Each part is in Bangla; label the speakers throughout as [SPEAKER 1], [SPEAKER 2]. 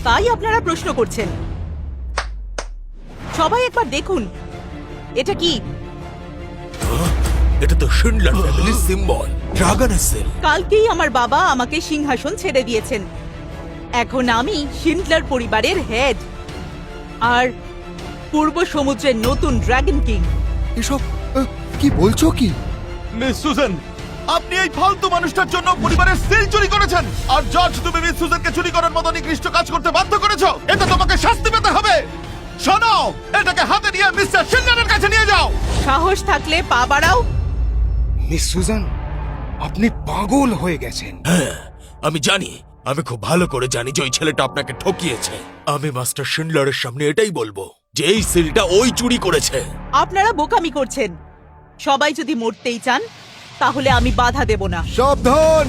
[SPEAKER 1] তাই আপনারা প্রশ্ন করছেন। সবাই একবার দেখুন, এটা কি?
[SPEAKER 2] এটা তো শিন্ডলার ফ্যামিলির সিম্বল, ড্রাগনের সেল।
[SPEAKER 1] কালকেই আমার বাবা আমাকে সিংহাসন ছেড়ে দিয়েছেন। এখন আমি শিন্ডলার পরিবারের হেড আর পূর্ব সমুদ্রের নতুন ড্রাগন কিং।
[SPEAKER 3] এসব কি বলছো কি?
[SPEAKER 4] মিস সুজান, আপনি এই ফালতু মানুষটার জন্য পরিবারের সিল চুরি করেছেন, আর জর্জ তুমি মিস সুজানকে চুরি করার মতো নিকৃষ্ট কাজ করতে বাধ্য করেছো। এটা তোমাকে শাস্তি পেতে হবে। শোনো, এটাকে হাতে নিয়ে মিস্টার শিন্ডলারের কাছে নিয়ে যাও।
[SPEAKER 1] সাহস থাকলে পা বাড়াও।
[SPEAKER 3] মিস সুজান, আপনি পাগল হয়ে গেছেন।
[SPEAKER 2] হ্যাঁ, আমি জানি, আমি খুব ভালো করে জানি যে ওই ছেলেটা আপনাকে ঠকিয়েছে। আমি মাস্টার শিন্ডলারের সামনে এটাই বলবো যে এই সিলটা ওই চুরি করেছে।
[SPEAKER 1] আপনারা বোকামি করছেন। সবাই যদি মরতেই চান তাহলে আমি বাধা দেব না।
[SPEAKER 3] সাবধান!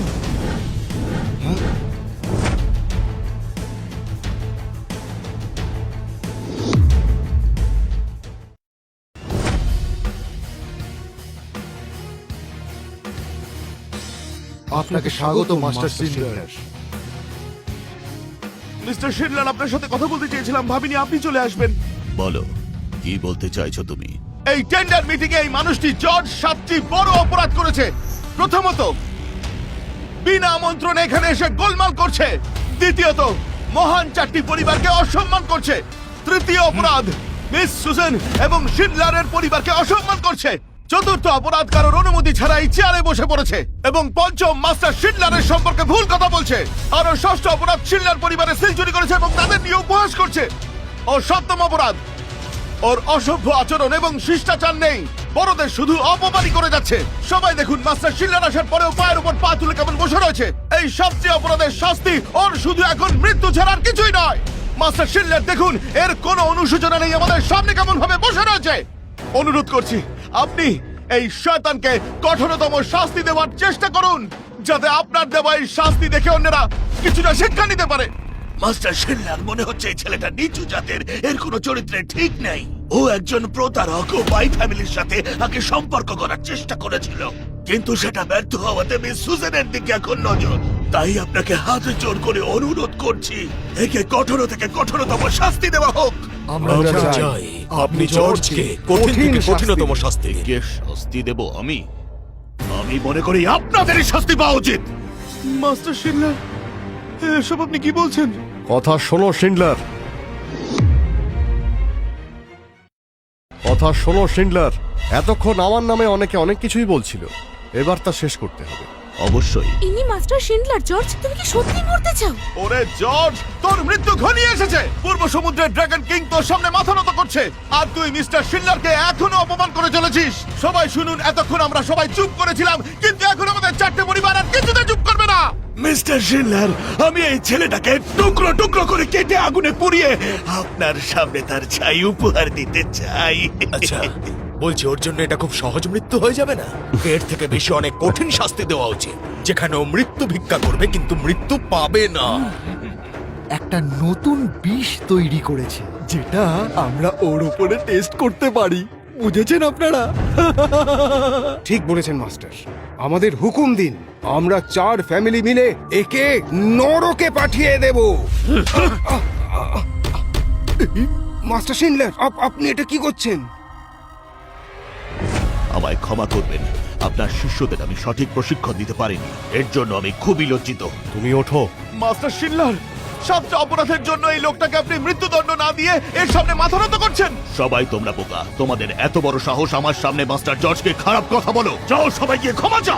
[SPEAKER 3] আপনাকে স্বাগত মাস্টার শিন্ডলার।
[SPEAKER 4] মিস্টার শিন্ডলার, আপনার সাথে কথা বলতে চেয়েছিলাম, ভাবিনি আপনি চলে আসবেন।
[SPEAKER 5] বলো, কি বলতে চাইছো তুমি?
[SPEAKER 4] এই টেন্ডার মিটিং এ এই মানুষটি জর্জ 7টি বড় অপরাধ করেছে। প্রথমত, বিনা আমন্ত্রণে এখানে এসে গোলমাল করছে। দ্বিতীয়ত, মহান 4টি পরিবারকে অসম্মান করছে। তৃতীয় অপরাধ, মিস সুজান এবং শিন্ডলারের পরিবারকে অসম্মান করছে। চতুর্থ অপরাধ, কারোর অনুমতি ছাড়াই চেয়ারে বসে পড়েছে। এবং পঞ্চম, মাস্টার শিন্ডলারের সম্পর্কে ভুল কথা বলছে। আর ষষ্ঠ অপরাধ, শিন্ডলার পরিবারের সিল চুরি করেছে এবং তাদের নিয়ে উপহাস করছে। ও সপ্তম অপরাধ, ওর অসভ্য আচরণ এবং শিষ্টাচার নেই, বড়দের শুধু অপমানই করে যাচ্ছে। সবাই দেখুন, মাস্টার শিন্ডলার আসার পরেও পায়ের উপর পা তুলে কেমন বসে রয়েছে। এই সবচেয়ে অপরাধের শাস্তি ওর শুধু এখন মৃত্যু ছাড়া আর কিছুই নয়। মাস্টার শিন্ডলার দেখুন, এর কোনো অনুশোচনা নেই, আমাদের সামনে কেমন ভাবে বসে রয়েছে। অনুরোধ করছি, আপনি এই শয়তানকে কঠোরতম শাস্তি দেওয়ার চেষ্টা করুন, যাতে আপনার দেওয়া এই শাস্তি দেখে অন্যরা কিছুটা শিক্ষা নিতে পারে।
[SPEAKER 5] মাস্টার শিন্ডলার, মনে হচ্ছে এই ছেলেটা নিচু জাতের, এর কোনো চরিত্রে ঠিক নেই। ও একজন প্রতারক ও বাই ফ্যামিলির সাথে আগে সম্পর্ক করার চেষ্টা করেছিল, কিন্তু সেটা ব্যর্থ হওয়াতে মিস সুজানের দিকে এখন নজর। তাই আপনাকে হাত জোর করে অনুরোধ করছি, একে কঠোর থেকে কঠোরতম শাস্তি দেওয়া হোক।
[SPEAKER 2] আমরা চাই আপনি জর্জকে কঠিন থেকে কঠিনতম শাস্তি দিন।
[SPEAKER 5] কে শাস্তি দেব? আমি মনে করি আপনাদেরই শাস্তি পাওয়া উচিত।
[SPEAKER 4] মাস্টার শিন্ডলার, এসব আপনি কি বলছেন?
[SPEAKER 6] কথা শোনো শিন্ডলার, কথা শোনো শিন্ডলার। এতক্ষণ আমার নামে অনেকে অনেক কিছুই বলছিল, এবার তা শেষ করতে হবে।
[SPEAKER 5] অবশ্যই।
[SPEAKER 7] ইনি মাস্টার শিন্ডলার। জর্জ, তুমি কি সত্যি মরতে চাও?
[SPEAKER 4] ওরে জর্জ, তোর মৃত্যু ঘনিয়ে এসেছে। পূর্ব সমুদ্রের ড্রাগন কিং তোর সামনে মাথা নত করছে, আর তুই মিস্টার শিন্ডলারকে এখনো অপমান করে চলেছিস। সবাই শুনুন, এতক্ষণ আমরা সবাই চুপ করেছিলাম, কিন্তু এখন আমাদের 4টে পরিবার আর কিছুতে চুপ করবে না।
[SPEAKER 5] মিস্টার শিন্ডলার, আমি এই ছেলেটাকে টুকরো টুকরো করে কেটে আগুনে পুড়িয়ে আপনার সামনে তার ছাই উপহার দিতে চাই।
[SPEAKER 2] আচ্ছা, বলছি ওর জন্য এটা খুব সহজ মৃত্যু হয়ে যাবে না? এর থেকে বেশি অনেক কঠিন শাস্তি দেওয়া উচিত, যেখানে ও মৃত্যু ভিক্ষা করবে কিন্তু মৃত্যু পাবে না।
[SPEAKER 8] একটা নতুন বিষ তৈরি করেছে, যেটা আমরা ওর উপরে টেস্ট করতে পারি। বুঝেছেন আপনারা?
[SPEAKER 3] ঠিক বলেছেন মাস্টার, আমাদের হুকুম দিন, আমরা 4 ফ্যামিলি মিলে একে নরকে পাঠিয়ে দেব। মাস্টার শিন্ডলার, আপনি এটা কি করছেন?
[SPEAKER 5] আমায় ক্ষমা করবেন, আপনার শিষ্যদের আমি সঠিক প্রশিক্ষণ দিতে পারিনি, এর জন্য আমি খুবই লজ্জিত।
[SPEAKER 6] তুমি ওঠো।
[SPEAKER 4] মাস্টার শিন্ডলার, 7টা অপরাধের জন্য এই লোকটাকে আপনি মৃত্যুদণ্ড না দিয়ে এর সামনে মাথা নত করছেন।
[SPEAKER 5] সবাই তোমরা বোকা, তোমাদের এত বড় সাহস আমার সামনে মাস্টার জর্জকে খারাপ কথা বলো। যাও, সবাই গিয়ে ক্ষমা চাও।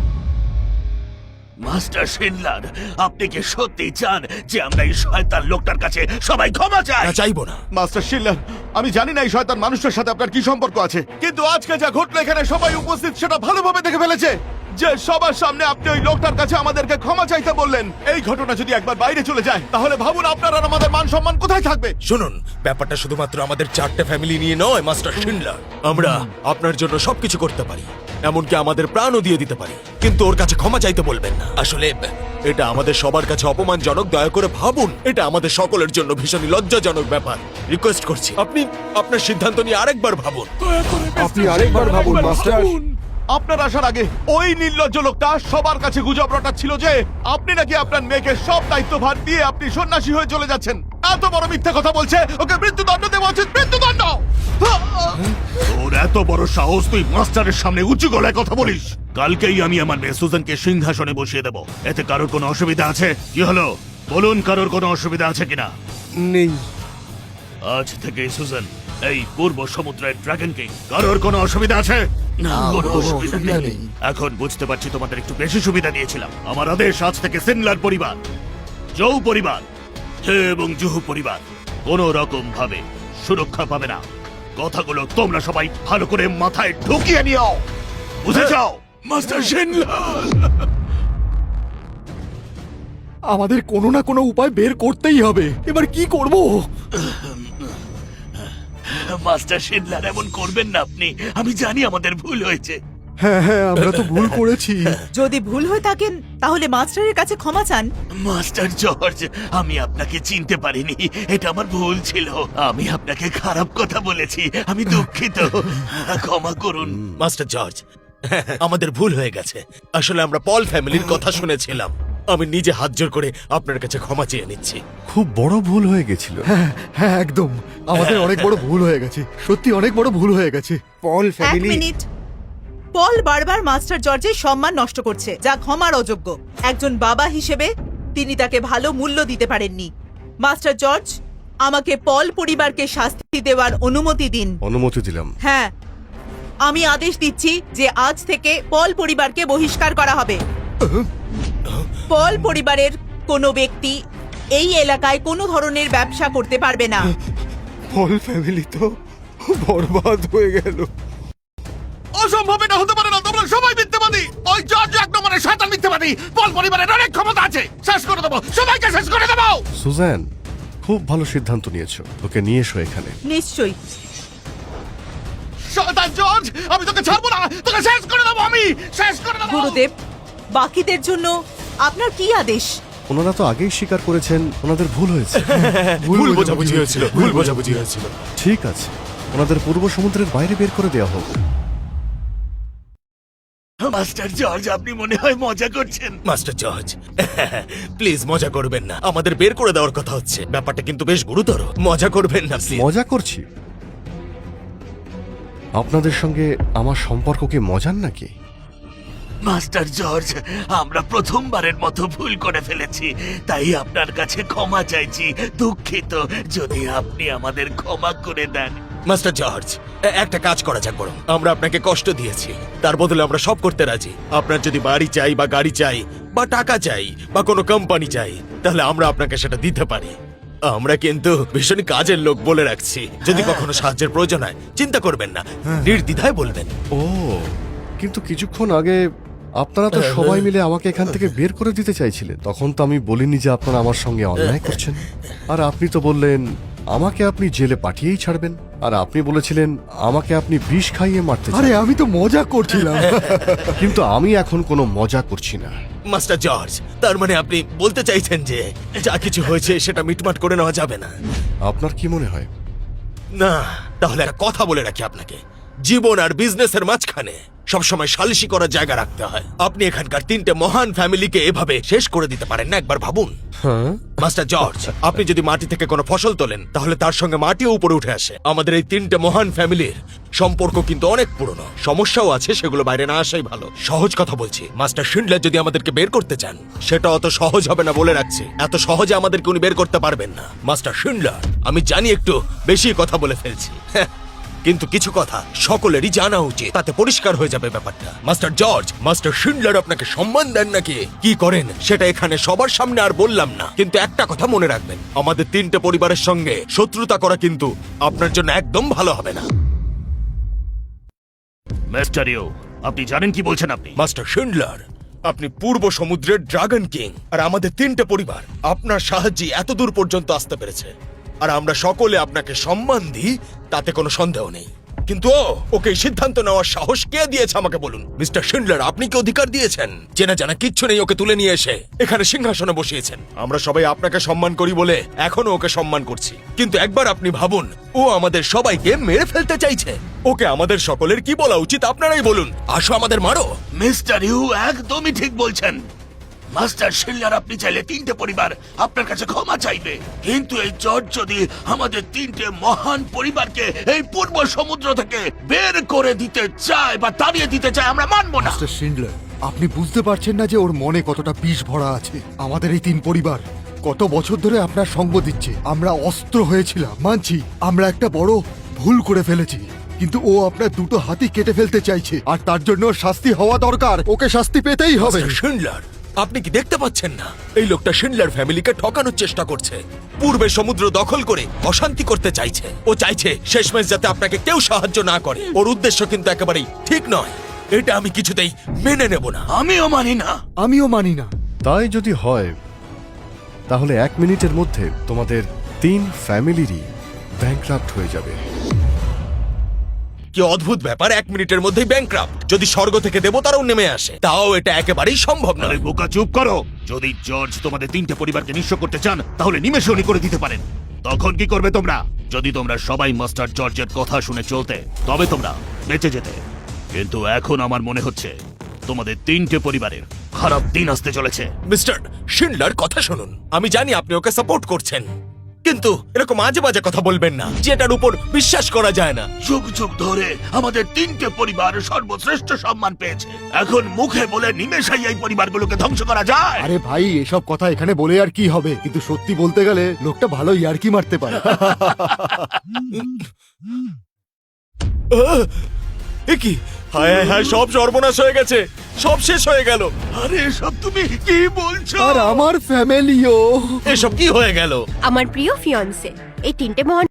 [SPEAKER 5] মাস্টার শিন্ডলার, আপনি কি সত্যি চান যে আমরা এই শয়তান লোকটার কাছে সবাই ক্ষমা চাই?
[SPEAKER 2] না, চাইবো না।
[SPEAKER 4] মাস্টার শিন্ডলার, আমি জানি না এই শয়তান মানুষটার সাথে আপনার কি সম্পর্ক আছে, কিন্তু আজকে যা ঘটলো এখানে সবাই উপস্থিত সেটা ভালোভাবে দেখে ফেলেছে যে সবার সামনে আপনি ওই লোকটার কাছে আমাদেরকে ক্ষমা চাইতে বললেন। এই ঘটনা যদি একবার বাইরে চলে যায়, তাহলে ভাবুন আপনার আর আমাদের মান সম্মান কোথায় থাকবে।
[SPEAKER 2] শুনুন, ব্যাপারটা শুধুমাত্র আমাদের 4টে ফ্যামিলি নিয়ে নয় মাস্টার শিন্ডলার। আমরা আপনার জন্য সবকিছু করতে পারি, এমনকি আমাদের প্রাণও দিয়ে দিতে পারি, কিন্তু ওর কাছে ক্ষমা চাইতে বলবেন না। আসলে এটা আমাদের সবার কাছে অপমানজনক। দয়া করে ভাবুন, এটা আমাদের সকলের জন্য ভীষণই লজ্জাজনক ব্যাপার। রিকোয়েস্ট করছি, আপনি আপনার সিদ্ধান্ত নিয়ে আরেকবার ভাবুন।
[SPEAKER 3] আপনি আরেকবার ভাবুন মাস্টার।
[SPEAKER 4] আপনার আসার আগে ওই নির্লজ্জ লোকটা সবার কাছে গুজব রটাচ্ছিল যে আপনি নাকি আপনার মেয়েকে সব দায়িত্বভার দিয়ে আপনি সন্ন্যাসী হয়ে চলে যাচ্ছেন। এত বড় মিথ্যা কথা বলছে, ওকে মৃত্যুদণ্ড দেওয়া উচিত, মৃত্যুদণ্ড।
[SPEAKER 5] তোর এত বড় সাহস, তুই মাস্টারের সামনে উঁচু গলায় কথা বলিস? কালকেই আমি আমার মেয়ে সুজানকে সিংহাসনে বসিয়ে দেব। এতে কারোর কোনো অসুবিধা আছে? কি হলো বলুন, কারোর কোনো অসুবিধা আছে কিনা?
[SPEAKER 3] নেই।
[SPEAKER 5] আজ থেকে সুজান এই পূর্ব সমুদ্রের ড্রাগন কিং। কারোর কোনো অসুবিধা আছে? না, কোনো অসুবিধা নেই। এখন বুঝতে পারছি তোমাদের একটু বেশি সুবিধা দিয়েছিলাম। আমার আদেশ, আজ থেকে সিনলার পরিবার, জৌ পরিবার এবং জুহু পরিবার কোনো রকম ভাবে সুরক্ষা পাবে না। কথাগুলো তোমরা সবাই ভালো করে মাথায় ঢুকিয়ে নিও, বুঝেছ? মাস্টার শিনলার,
[SPEAKER 8] আমাদের কোনো না কোনো উপায় বের করতেই হবে। এবার কি করব?
[SPEAKER 5] মাস্টার শিনলার, এমন করবেন না আপনি। আমি জানি আমাদের ভুল হয়েছে।
[SPEAKER 8] হ্যাঁ হ্যাঁ, আমরা তো ভুল করেছি।
[SPEAKER 1] যদি ভুল হয়ে থাকেন তাহলে মাস্টারের কাছে ক্ষমা চান।
[SPEAKER 5] মাস্টার জর্জ, আমি আপনাকে চিনতে পারিনি, এটা আমার ভুল ছিল। আমি আপনাকে খারাপ কথা বলেছি, আমি দুঃখিত, ক্ষমা করুন।
[SPEAKER 2] মাস্টার জর্জ, আমাদের ভুল হয়ে গেছে। আসলে আমরা পল ফ্যামিলির কথা শুনেছিলাম। আমি নিজে হাত জোর করে আপনার কাছে ক্ষমা চেয়ে নিচ্ছি।
[SPEAKER 6] খুব বড় ভুল হয়ে গেছিল।
[SPEAKER 8] হ্যাঁ একদম, আমাদের অনেক বড় ভুল হয়ে গেছে, সত্যি অনেক বড় ভুল হয়ে গেছে।
[SPEAKER 3] পল
[SPEAKER 1] এক
[SPEAKER 3] ফ্যামিলি।
[SPEAKER 1] মিনিট। পল বারবার মাস্টার জর্জের সম্মান নষ্ট করছে, যা ক্ষমার অযোগ্য। একজন বাবা হিসেবে তিনি তাকে ভালো মূল্য দিতে পারেননি। মাস্টার জর্জ, আমাকে পল পরিবারকে শাস্তি দেওয়ার অনুমতি দিন।
[SPEAKER 6] অনুমতি দিলাম।
[SPEAKER 1] হ্যাঁ, আমি আদেশ দিচ্ছি যে আজ থেকে পল পরিবারকে বহিষ্কার করা হবে। পল পরিবারের কোনো ব্যক্তি এই এলাকায় কোনো ধরনের ব্যবসা করতে পারবে না।
[SPEAKER 3] পল ফ্যামিলি তো বরবাদ হয়ে গেল।
[SPEAKER 4] অসম্ভব, এটা হতে পারে না। তোমরা সবাই মিথ্যাবাদী। ওই জর্জ এক নম্বরের শয়তান মিথ্যাবাদী। পল পরিবারের অনেক ক্ষমতা আছে, শেষ করে দেবো, সবাইকে শেষ করে দেবো।
[SPEAKER 6] সুজান, খুব ভালো সিদ্ধান্ত নিয়েছো। ওকে নিয়ে এসো এখানে।
[SPEAKER 1] নিশ্চয়ই।
[SPEAKER 4] শয়তান জর্জ, আমি তোকে ছাড়বো না, তোকে শেষ করে দেবো, আমি শেষ করে দেবো।
[SPEAKER 1] গুরুদেব, বাকিদের জন্য আপনার কি আদেশ?
[SPEAKER 6] ওনারা তো আগেই স্বীকার করেছেন ওনাদের ভুল হয়েছে।
[SPEAKER 2] ভুল বোঝাবুঝি হয়েছিল, ভুল বোঝাবুঝি হয়েছিল।
[SPEAKER 6] ঠিক আছে, ওনাদের পূর্ব সমুদ্রের বাইরে বের করে দেওয়া হোক।
[SPEAKER 5] মাস্টার জর্জ, আপনি মনে হয় মজা করছেন।
[SPEAKER 2] মাস্টার জর্জ, প্লিজ মজা করবেন না। আমাদের বের করে দেওয়ার কথা হচ্ছে, ব্যাপারটা কিন্তু বেশ গুরুতর। মজা করবেন না প্লিজ।
[SPEAKER 6] মজা করছি? আপনাদের সঙ্গে আমার সম্পর্ক কি মজার নাকি?
[SPEAKER 5] মাস্টার জর্জ, আমরা প্রথমবারের মতো ভুল করে ফেলেছি, তাই আপনার কাছে ক্ষমা চাইছি। দুঃখিত, যদি আপনি আমাদের ক্ষমা করে দেন।
[SPEAKER 2] মাস্টার জর্জ, একটা কাজ করা যাক বরং। আমরা আপনাকে কষ্ট দিয়েছি, তার বদলে আমরা সব করতে রাজি। আপনার যদি বাড়ি চাই বা গাড়ি চাই বা টাকা চাই বা কোনো কোম্পানি চাই, তাহলে আমরা আপনাকে সেটা দিতে পারি। আমরা কিন্তু ভীষণ কাজের লোক, বলে রাখছি। যদি কখনো সাহায্যের প্রয়োজন হয়, চিন্তা করবেন না, নির্দ্বিধায় বলবেন।
[SPEAKER 6] ও, কিন্তু কিছুক্ষণ আগে আপনারা তো সবাই মিলে আমাকে এখান থেকে বের করে দিতে চাইছিলেন। তখন তো আমি বলিনি যে আপনারা আমার সঙ্গে অন্যায় করছেন। আর আপনি তো বললেন আমাকে আপনি জেলে পাঠিয়েই ছাড়বেন। আর আপনি বলেছিলেন আমাকে আপনি বিষ খাইয়ে মারতে চান।
[SPEAKER 8] আরে আমি তো মজা করছিলাম।
[SPEAKER 6] কিন্তু আমি এখন কোনো মজা করছি না।
[SPEAKER 2] মাস্টার জর্জ, তার মানে আপনি বলতে চাইছেন যে যা কিছু হয়েছে সেটা মিটমাট করে নেওয়া যাবে না?
[SPEAKER 6] আপনার কি মনে হয়?
[SPEAKER 2] না, তাহলে একটা কথা বলে রাখি আপনাকে, জীবন আর বিজনেসের মাঝখানে সবসময় সালিশি করার জায়গা রাখতে হয়। আপনি এখানকার 3টে মহান ফ্যামিলিকে এভাবে শেষ করে দিতে পারেন না, একবার ভাবুন।
[SPEAKER 6] হ্যাঁ,
[SPEAKER 2] মাস্টার জর্জ, আপনি যদি মাটি থেকে কোনো ফসল তোলেন, তাহলে তার সঙ্গে মাটিও উপরে উঠে আসে। আমাদের এই 3টে মহান ফ্যামিলির সম্পর্ক কিন্তু অনেক পুরনো। সমস্যাও আছে, সেগুলো বাইরে না আসাই ভালো। সহজ কথা বলছি, মাস্টার শিন্ডলার যদি আমাদেরকে বের করতে চান, সেটা অত সহজ হবে না, বলে রাখছি। এত সহজে আমাদেরকে উনি বের করতে পারবেন না। মাস্টার শিন্ডলার, আমি জানি একটু বেশি কথা বলে ফেলছি, কিন্তু কিছু কথা সকলেরই জানা উচিত, তাতে পরিষ্কার হয়ে যাবে ব্যাপারটা। মাস্টার জর্জ, মাস্টার শিন্ডলার আপনাকে সম্মান দেন নাকি কি করেন সেটা এখানে সবার সামনে আর বললাম না, কিন্তু একটা কথা মনে রাখবেন, আমাদের 3টে পরিবারের সঙ্গে শত্রুতা করা কিন্তু আপনার জন্য একদম ভালো হবে না।
[SPEAKER 5] মিস্টার ইউ, আপনি জানেন কি বলছেন আপনি?
[SPEAKER 2] মাস্টার শিন্ডলার, আপনি পূর্ব সমুদ্রের ড্রাগন কিং, আর আমাদের 3টে পরিবার আপনার সাহায্যে এত দূর পর্যন্ত আসতে পেরেছে। আর আমরা সকলে আপনাকে সম্মান দিই, তাতে কোনো সন্দেহ নেই। কিন্তু ওকে এই সিদ্ধান্ত নেওয়ার সাহস কে দিয়েছে আমাকে বলুন? মিস্টার শিন্ডলার, আপনি কি অধিকার দিয়েছেন? চেনা জানা কিচ্ছু নেই ওকে তুলে নিয়ে এসে এখানে সিংহাসনে বসিয়েছেন। আমরা সবাই আপনাকে সম্মান করি বলে এখনো ওকে সম্মান করছি, কিন্তু একবার আপনি ভাবুন, ও আমাদের সবাইকে মেরে ফেলতে চাইছে। ওকে আমাদের সকলের কি বলা উচিত আপনারাই বলুন। আসো আমাদের মারো।
[SPEAKER 5] মিস্টার ইউ একদমই ঠিক বলছেন। মাস্টার শিল্লার, আপনি চাইলে তিনটে পরিবার আপনার কাছে ক্ষমা চাইবে, কিন্তু এই জর্জ যদি আমাদের তিনটে মহান পরিবারকে এই পূর্ব সমুদ্র থেকে বের করে দিতে চায় বা তাড়িয়ে দিতে চায়, আমরা মানবো না।
[SPEAKER 8] মিস্টার শিন্ডলার, আপনি বুঝতে পারছেন না যে ওর মনে কতটা বিষ ভরা আছে। আমাদের এই তিন পরিবার কত বছর ধরে আপনার সঙ্গ দিচ্ছে। আমরা অস্ত্র হয়েছিলাম, মানছি আমরা একটা বড় ভুল করে ফেলেছি, কিন্তু ও আপনার দুটো হাতই কেটে ফেলতে চাইছে, আর তার জন্য শাস্তি হওয়া দরকার। ওকে শাস্তি পেতেই হবে।
[SPEAKER 2] মিস্টার শিন্ডলার, আপনি কি দেখতে পাচ্ছেন না এই লোকটা শিন্ডলার ফ্যামিলিকে ঠকানোর চেষ্টা করছে? পূর্বে সমুদ্র দখল করে অশান্তি করতে চাইছে। ও চাইছে শেষমেশ যাতে আপনাকে কেউ সাহায্য না করে। ওর উদ্দেশ্য কিন্তু একেবারেই ঠিক নয়। এটা আমি কিছুতেই মেনে নেব না।
[SPEAKER 5] আমিও মানি না।
[SPEAKER 8] আমিও মানি না।
[SPEAKER 6] তাই যদি হয় তাহলে 1 মিনিটের মধ্যে তোমাদের 3 ফ্যামিলিরই ব্যাংকরাপ্ট হয়ে যাবে।
[SPEAKER 2] কি অদ্ভুত ব্যাপার, 1 মিনিটের মধ্যেই ব্যাংকরাপ্ট! যদি স্বর্গ থেকে দেবতারাও নেমে আসে তাও এটা একেবারেই সম্ভব
[SPEAKER 4] আরে
[SPEAKER 2] নয়।
[SPEAKER 4] বোকা, চুপ করো। যদি জর্জ তোমাদের তিনটে পরিবারকে নিঃস্ব করতে চান তাহলে নিমেষে উনি করে দিতে পারেন। তখন কি করবে তোমরা? যদি তোমরা সবাই মাস্টার জর্জের কথা শুনে চলতে, তবে তোমরা বেঁচে যেতে। কিন্তু এখন আমার মনে হচ্ছে তোমাদের তিনটে পরিবারের খারাপ দিন আসতে চলেছে।
[SPEAKER 2] মিস্টার শিন্ডলার, কথা শুনুন। আমি জানি আপনি ওকে সাপোর্ট করছেন, কিন্তু এরকম আজে বাজে কথা বলবেন না, যেটার উপর বিশ্বাস করা যায় না।
[SPEAKER 5] যুগ যুগ ধরে আমাদের তিনটে পরিবার সর্বশ্রেষ্ঠ সম্মান পেয়েছে। এখন মুখে বলে নিমেষেই এই পরিবারগুলোকে ধ্বংস করা যায়?
[SPEAKER 8] আরে ভাই, এসব কথা এখানে বলে আর কি হবে? কিন্তু সত্যি বলতে গেলে লোকটা ভালো ইয়ার্কি মারতে পারে।
[SPEAKER 2] এ কি? হায় হায় হায়, সব সর্বনাশ হয়ে গেছে, সব শেষ হয়ে গেল।
[SPEAKER 5] আরে এসব তুমি কি বলছো?
[SPEAKER 8] আর আমার ফ্যামিলিও।
[SPEAKER 2] এসব কি হয়ে গেল?
[SPEAKER 7] আমার প্রিয় ফিয়ন্সে, এই তিনটে মহান